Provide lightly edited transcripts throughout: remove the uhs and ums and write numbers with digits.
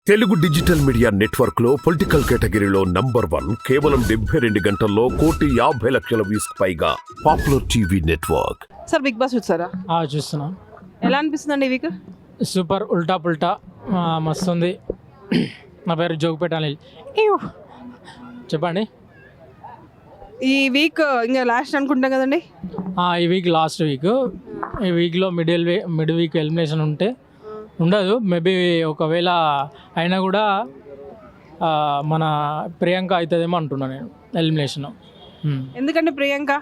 Telugu digital media network లో political కేటగిరీలో #1 కేవలం 72 గంటల్లో 1,50,00,000 వ్యూస్ పైగా popular TV network. Sir big boss చూసారా? చూస్తున్నా. ఎలా అనిపిస్తుందండి ఈ వీక్? సూపర్, ఉల్టా పుల్టా మస్తుంది. నా పేరు జోగిపేట అనిల్. చెప్పండి. ఈ వీక్ ఇంకా లాస్ట్ అనుకుంటాం కదండి. ఈ వీక్ లాస్ట్ వీక్. ఈ వీక్లో మిడ్ వీక్ ఎలిమినేషన్ ఉండదు. మేబీ ఒకవేళ అయినా కూడా మన ప్రియాంక అవుతుందేమో అంటున్నా నేను ఎలిమినేషన్. ఎందుకంటే Priyanka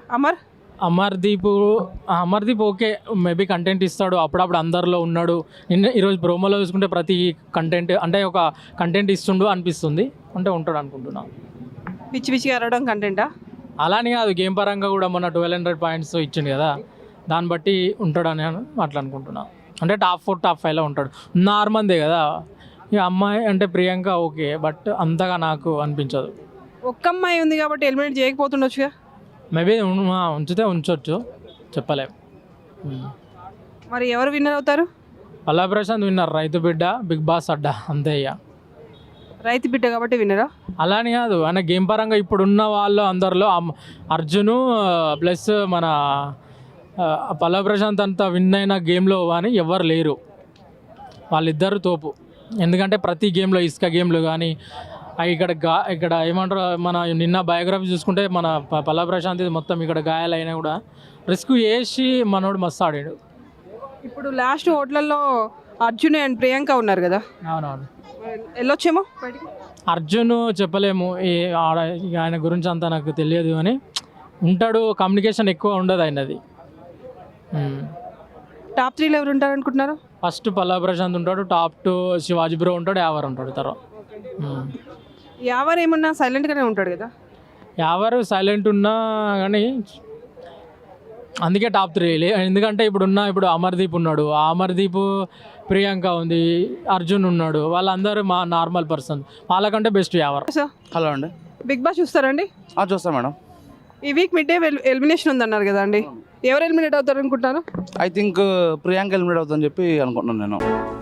Amardeep okay, maybe content ఇస్తాడు, అప్పుడప్పుడు అందరిలో ఉన్నాడు. ఈరోజు ప్రోమోలో చూసుకుంటే ప్రతి కంటెంట్ అంటే ఒక కంటెంట్ ఇస్తుండు అనిపిస్తుంది. అంటే ఉంటాడు అనుకుంటున్నా. పిచ్చి పిచ్చిగా అరవడం కంటెంటా? అలానే కాదు, గేమ్ పరంగా కూడా మొన్న 1200 పాయింట్స్ ఇచ్చిండు కదా, దాన్ని బట్టి ఉంటాడని అట్లా అనుకుంటున్నా. అంటే టాప్ 4 టాప్ 5లో ఉంటాడు. నార్మల్దే కదా. ఇక అమ్మాయి అంటే ప్రియాంక ఓకే, బట్ అంతగా నాకు అనిపించదు. ఒక్క అమ్మాయి ఉంది కాబట్టి ఎలిమినేట్ చేయకపోతుండొచ్చుగా. మేబీ ఉంచితే ఉంచవచ్చు, చెప్పలేము. మరి ఎవరు విన్నర్ అవుతారు? పల్లా ప్రశాంత్ విన్నర్, రైతు బిడ్డ, బిగ్ బాస్ అడ్డా, అంతే. ఇక రైతు బిడ్డ కాబట్టి విన్నరా? అలానే కాదు, ఆయన గేమ్ పరంగా ఇప్పుడున్న వాళ్ళు అందరిలో అర్జును ప్లస్ మన పల్లా ప్రశాంత్ అంతా విన్ అయిన గేమ్లో కానీ ఎవరు లేరు. వాళ్ళిద్దరు తోపు. ఎందుకంటే ప్రతి గేమ్లో, ఇసుక గేమ్లో కానీ ఇక్కడ ఏమంటారు, మన నిన్న బయోగ్రఫీ చూసుకుంటే మన పల్లా ప్రశాంత్ మొత్తం ఇక్కడ గాయాలైనా కూడా రిస్క్ చేసి మనోడు మస్తు ఆడాడు. ఇప్పుడు లాస్ట్ ఓట్లలో అర్జున్ అండ్ ప్రియాంక ఉన్నారు కదా. అవునవును, వెళ్ళొచ్చేమో. అర్జున్ చెప్పలేము, ఆయన గురించి అంతా నాకు తెలియదు కానీ ఉంటాడు. కమ్యూనికేషన్ ఎక్కువ ఉండదు ఆయనది. టాప్ 3లో ఎవరు ఉంటారు అనుకుంటున్నారు? ఫస్ట్ పల్లా ప్రశాంత్ ఉంటాడు, టాప్ 2 శివాజీ బ్రో ఉంటాడు, యావర్ ఉంటాడు. తర్వాత యావర్ ఏమన్నా సైలెంట్గానే ఉంటాడు కదా. యావర్ సైలెంట్ ఉన్నా కానీ అందుకే టాప్ 3. ఎందుకంటే ఇప్పుడు అమర్దీప్ ఉన్నాడు, అమర్దీప్, ప్రియాంక ఉంది, అర్జున్ ఉన్నాడు. వాళ్ళందరూ మా నార్మల్ పర్సన్. వాళ్ళకంటే బెస్ట్ యావర్. హలో అండి, బిగ్ బాస్ చూస్తారండి? చూస్తాం మేడం. ఈ వీక్ మిడ్ డే ఎలిమినేషన్ ఉందన్నారు కదా అండి, ఎవరు ఎలిమినేట్ అవుతారు అనుకుంటున్నారు? ఐ థింక్ ప్రియాంక ఎలిమినేట్ అవుతుందని చెప్పి అనుకుంటున్నాను నేను.